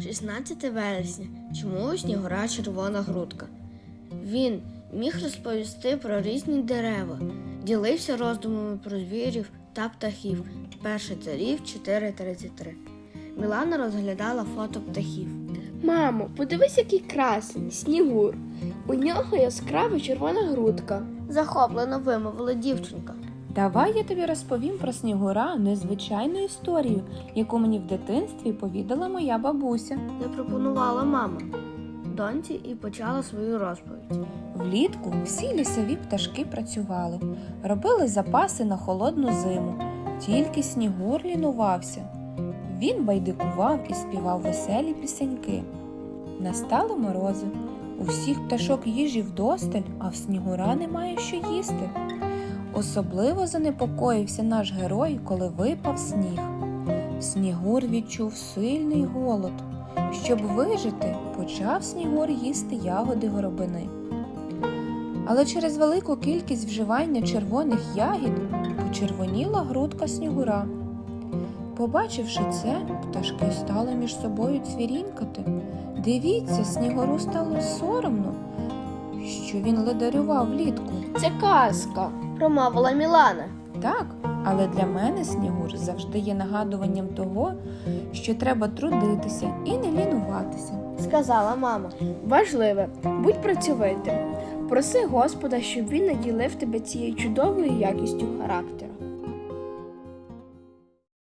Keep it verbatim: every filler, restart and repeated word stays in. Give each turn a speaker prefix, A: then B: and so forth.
A: шістнадцяте вересня. Чому у Снігура червона грудка? Він міг розповісти про різні дерева, ділився роздумами про звірів та птахів. Перший царів чотири тридцять три. Мілана розглядала фото птахів.
B: Мамо, подивись, який красень, Снігур. У нього яскрава червона грудка.
A: Захоплено вимовила дівчинка.
C: Давай я тобі розповім про Снігура незвичайну історію, яку мені в дитинстві повідала моя бабуся.
A: Запропонувала мама доньці і почала свою розповідь.
C: Влітку всі лісові пташки працювали, робили запаси на холодну зиму. Тільки Снігур лінувався. Він байдикував і співав веселі пісеньки. Настали морози. У всіх пташок їжі вдосталь, а в Снігура немає що їсти. Особливо занепокоївся наш герой, коли випав сніг. Снігур відчув сильний голод. Щоб вижити, почав Снігур їсти ягоди горобини. Але через велику кількість вживання червоних ягід почервоніла грудка Снігура. Побачивши це, пташки стали між собою цвірінькати. Дивіться, Снігуру стало соромно, що він ледарював влітку.
B: Це казка.
A: Промовила Мілана.
C: Так, але для мене Снігур завжди є нагадуванням того, що треба трудитися і не лінуватися.
A: Сказала мама.
B: Важливе, будь працьовитим. Проси Господа, щоб він наділив тебе цією чудовою якістю характеру.